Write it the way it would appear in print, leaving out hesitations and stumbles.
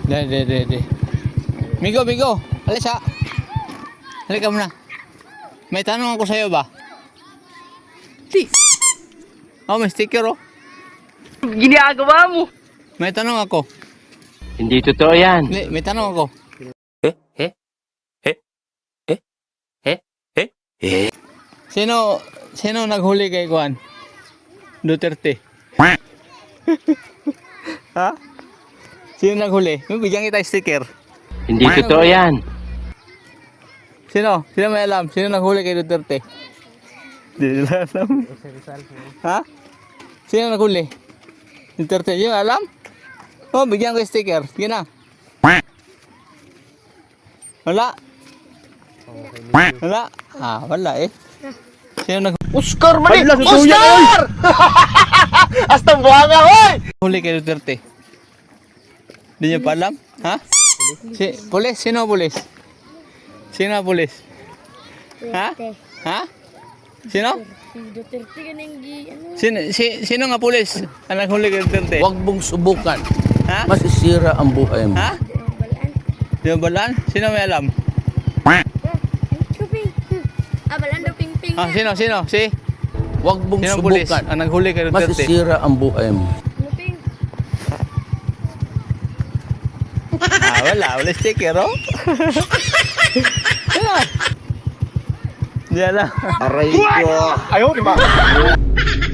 Dede. Migo. Alis ha. Halika muna. May tanong ako sa'yo ba? Di. Oh, may sticker oh. Ginagawa mo. May tanong ako. Hindi totoo yan. Hindi, may tanong ako. Sino naghuli kay Juan? Duterte. Ha? Sino naghuli? Bigyan kita sticker. Hindi totoo yan. Sino? Sino may alam? Sino naghuli kay Duterte? Hindi nila alam. Ha? Sino naghuli? Duterte. Yung alam? Oh, bigyan ko yung sticker. Sige na. Wala. Wala. Ah, wala eh. Sino naghuli? Oscar mali! Hala, susuya Oscar! Hasta buhanga, hoy! Huli kay Duterte? Hindi niyo pa alam? Ha? Pulis? Sino pulis? Sino pulis? Ha? Ha? Sino? Si Duterte kaning Sino nga pulis? Ang naghuli kay Duterte? Huwag mong subukan. Ha? Masisira ang buhay mo. Ha? balaan. Di ba balaan? Sino may alam? Chuping. Balaan daw ping-ping. Ah, sino? Si? Huwag mong Sino pulis? subukan. Ang naghuli kay Duterte? Masisira ang buhay mo. Luping. Ah, wala sticker, oh. Wala. Di alam. Aray ko. Ayaw, di ba?